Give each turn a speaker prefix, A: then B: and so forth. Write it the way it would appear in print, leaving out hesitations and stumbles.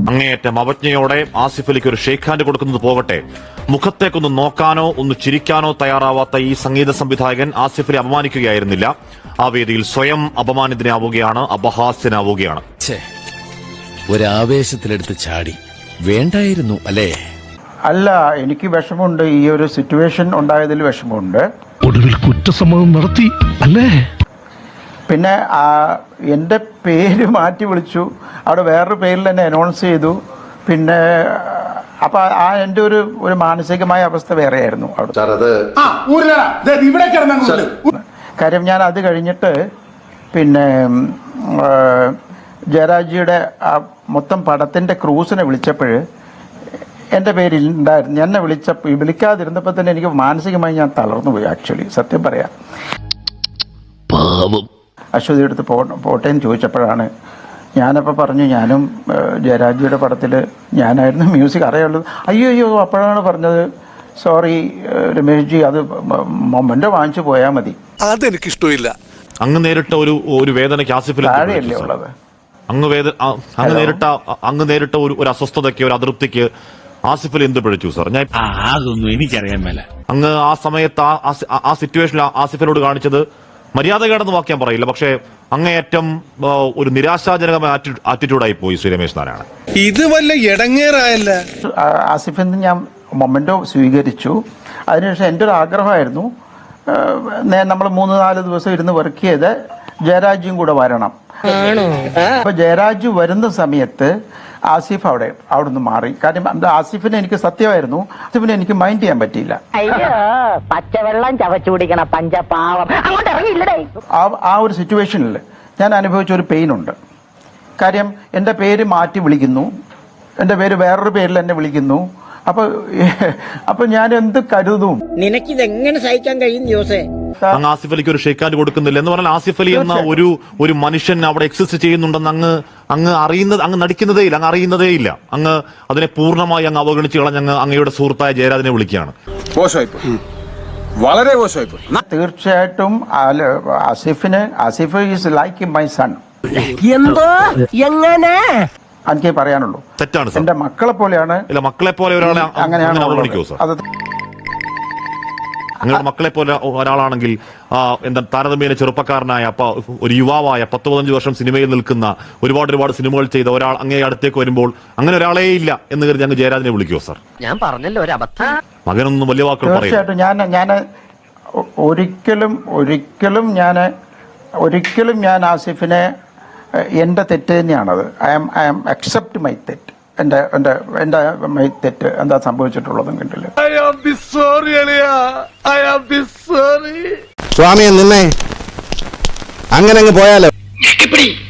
A: അങ്ങേയറ്റം അവജ്ഞയോടെ ആസിഫ് അലിക്ക് ഒരു shake hand കൊടുക്കുന്നത് പോകട്ടെ, മുഖത്തേക്കൊന്ന് നോക്കാനോ ഒന്ന് ചിരിക്കാനോ തയ്യാറാവാത്ത ഈ സംഗീത സംവിധായകൻ ആസിഫ് അലി അപമാനിക്കുകയായിരുന്നില്ല. ആ വേദിയിൽ സ്വയം അപമാനിതനാവുകയാണ്, അപഹാസ്യനാവുകയാണ്.
B: ഒരാവേശത്തിലെടുത്ത് ചാടി വേണ്ടായിരുന്നു അല്ലേ?
C: അല്ല, എനിക്ക് വിഷമമുണ്ട്. ഈ ഒരു സിറ്റുവേഷൻ ഉണ്ടായതിൽ വിഷമമുണ്ട്.
D: ഒടുവിൽ കുറ്റസമ്മതം നടത്തി അല്ലേ?
C: പിന്നെ എൻ്റെ പേര് മാറ്റി വിളിച്ചു, അവിടെ വേറൊരു പേരിൽ തന്നെ അനൗൺസ് ചെയ്തു. പിന്നെ അപ്പൊ എൻ്റെ ഒരു മാനസികമായ അവസ്ഥ വേറെയായിരുന്നു അവിടെ. കാര്യം ഞാൻ അത് കഴിഞ്ഞിട്ട് പിന്നെ ജയരാജിയുടെ ആ മൊത്തം പടത്തിന്റെ ക്രൂസിനെ വിളിച്ചപ്പോൾ എൻ്റെ പേരിലുണ്ടായിരുന്നു. എന്നെ വിളിക്കാതിരുന്നപ്പോൾ തന്നെ എനിക്ക് മാനസികമായി ഞാൻ തളർന്നു പോയി. ആക്ച്വലി സത്യം പറയാം. അശ്വതി എടുത്ത് പോട്ടേന്ന് ചോദിച്ചപ്പോഴാണ് ഞാനപ്പോൾ പറഞ്ഞു ഞാനും ജയരാജിയുടെ പടത്തിൽ ഞാനായിരുന്നു മ്യൂസിക് അറിയുള്ളത്. അയ്യോ അപ്പോഴാണ് പറഞ്ഞത് സോറി രമേഷ് ജി, അത് മൊമെന്റ് വാങ്ങിച്ചു പോയാൽ മതി.
D: അതെനിക്കിഷ്ടമില്ല.
A: അങ്ങ് നേരിട്ട ഒരു വേദനയ്ക്ക് ആസിഫിൽ
C: താഴെയല്ലേ ഉള്ളത്.
A: അങ്ങ് നേരിട്ട ഒരു അസ്വസ്ഥതയ്ക്ക്, ഒരു അതൃപ്തിക്ക് ആസിഫിൽ എന്ത് പിഴച്ചു സാർ? ഞാൻ
B: അതൊന്നും എനിക്കറിയാൻ മേല.
A: അങ്ങ് ആ സമയത്ത് ആ സിറ്റുവേഷനിൽ ആസിഫിനോട് കാണിച്ചത് മര്യാദകേടെന്ന് വാക്യം പറയില്ല, പക്ഷേ അങ്ങേയറ്റം ഒരു നിരാശാജനകമായ ആറ്റിറ്റ്യൂഡായി പോയി ശ്രീ രമേശ് നാരായണൻ.
D: ഇത് വല്ല ഇടങ്ങേറായല്ല.
C: ആസിഫിന്ന് ഞാൻ മൊമെന്റോ സ്വീകരിച്ചു. അതിനുശേഷം എൻ്റെ ഒരു ആഗ്രഹമായിരുന്നു, നമ്മൾ 3-4 ദിവസം ഇരുന്ന് വർക്ക് ചെയ്ത് ജയരാജും കൂടെ വരണം. അപ്പൊ ജയരാജു വരുന്ന സമയത്ത് ആസിഫ് അവിടെ നിന്ന് മാറി. കാര്യം ആസിഫിനെ എനിക്ക് സത്യമായിരുന്നു, ആസിഫിനെ എനിക്ക് മൈൻഡ് ചെയ്യാൻ പറ്റിയില്ല.
E: പച്ചവെള്ളം ചവച്ചു കുടിക്കണ പഞ്ചപാവം അങ്ങോട്ട് ഇറങ്ങിയില്ലേ.
C: ആ ഒരു സിറ്റുവേഷനിൽ ഞാൻ അനുഭവിച്ച ഒരു പെയിൻ ഉണ്ട്. കാര്യം എൻ്റെ പേര് മാറ്റി വിളിക്കുന്നു, എൻ്റെ പേര് വേറൊരു പേരിൽ എന്നെ വിളിക്കുന്നു. അപ്പൊ ഞാൻ എന്ത് കരുതും?
E: നിനക്കിതെങ്ങനെ സഹിക്കാൻ കഴിയും ജോസേ?
A: അങ്ങ് ആസിഫ് അലിക്ക് ഒരു ഷേക്ക് ഹാൻഡ് കൊടുക്കുന്നില്ല എന്ന് പറഞ്ഞാൽ ആസിഫ് അലി എന്ന ഒരു മനുഷ്യൻ അവിടെ എക്സിസ്റ്റ് ചെയ്യുന്നുണ്ടെന്ന് അങ്ങ് നടിക്കുന്നതേ ഇല്ല, അങ്ങ് അറിയുന്നതേ ഇല്ല. അങ്ങ് അതിനെ പൂർണ്ണമായി അങ്ങ് അവഗണിച്ച് കളഞ്ഞ് അങ്ങയുടെ സുഹൃത്തായ ജയരാജിനെ വിളിക്കുകയാണ്.
D: വളരെ മോശമായിപ്പോയി.
C: തീർച്ചയായിട്ടും Asif is like my son.
E: എന്തോ എങ്ങനെ
C: എനിക്ക് പറയാനുള്ളൂ.
A: തെറ്റാണ് സാർ.
C: എന്റെ മക്കളെ പോലെയാണ്.
A: ഇല്ല, മക്കളെ പോലെ ഒരാളെ
C: അങ്ങനെയാണ്
A: അവഗണിക്കോ സാർ? നിങ്ങളുടെ മക്കളെ പോലെ ഒരാളാണെങ്കിൽ താരതമ്യേന ചെറുപ്പക്കാരനായ ഒരു യുവാവായ 10-15 വർഷം സിനിമയിൽ നിൽക്കുന്ന ഒരുപാട് സിനിമകൾ ചെയ്ത ഒരാൾ അങ്ങേ അടുത്തേക്ക് വരുമ്പോൾ അങ്ങനെ ഒരാളേ ഇല്ല എന്ന് കരുതി അങ്ങ് ജയരാജനെ വിളിക്കുമോ സാർ?
E: ഞാൻ പറഞ്ഞല്ലോ ഒരു അബദ്ധം.
A: മകനൊന്നും വലിയ വാക്കുകൾ പറയും.
C: തീർച്ചയായിട്ടും ഞാൻ ഒരിക്കലും ഞാൻ ആസിഫിനെ എന്റെ തെറ്റ് തന്നെയാണത്. ഐ ആം അക്സെപ്റ്റ് മൈ തെറ്റ്. എന്റെ മൈ തെറ്റ് എന്താ സംഭവിച്ചിട്ടുള്ളതും കണ്ടില്ല.
F: സ്വാമിയെ നിന്നെ അങ്ങനെ അങ്ങ് പോയാലോ?